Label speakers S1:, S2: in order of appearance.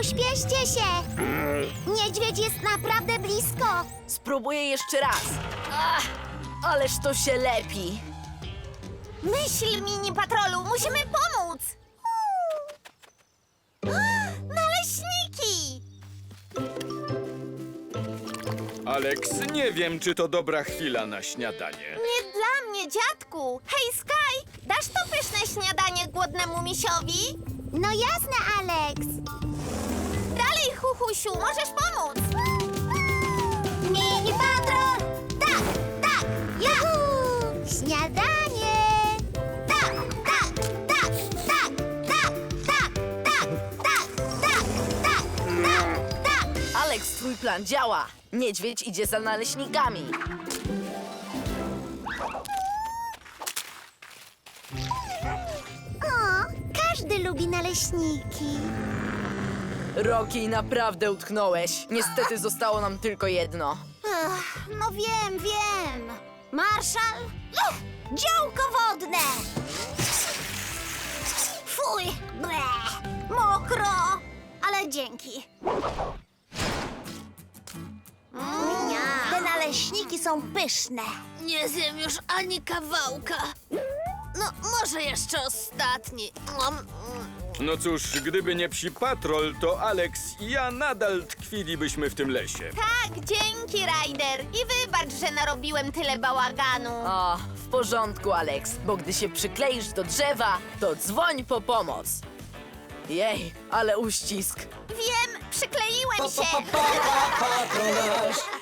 S1: Pośpieszcie się! Niedźwiedź jest naprawdę blisko!
S2: Spróbuję jeszcze raz. Ach, ależ to się lepi.
S1: Myśl, mini patrolu, musimy pomóc! Naleśniki!
S3: Alex, nie wiem, czy to dobra chwila na śniadanie.
S1: Nie dla mnie, dziadku! Hej, Sky, dasz to pyszne śniadanie głodnemu misiowi? No jasne, Alex! Dalej, Huchusiu, możesz pomóc! Mini patrol! Tak, tak, ja! Śniadanie! Tak, tak, tak, tak, tak, tak, tak, tak, tak, tak, tak, tak!
S2: Alex, twój plan działa. Niedźwiedź idzie za naleśnikami.
S1: O, każdy lubi naleśniki.
S2: Rocky, naprawdę utknąłeś. Niestety zostało nam tylko jedno.
S1: No wiem. Marszal? Działko wodne! Fuj, ble, mokro, ale dzięki. Te naleśniki są pyszne.
S4: Nie zjem już ani kawałka. No, może jeszcze ostatni.
S3: No cóż, gdyby nie psi patrol, to Alex i ja nadal tkwilibyśmy w tym lesie.
S1: Tak, dzięki, Ryder. I wybacz, że narobiłem tyle bałaganu.
S2: O, w porządku, Alex, bo gdy się przykleisz do drzewa, to dzwoń po pomoc. Jej, ale uścisk.
S1: Wiem, przykleiłem się.
S5: Patrol nasz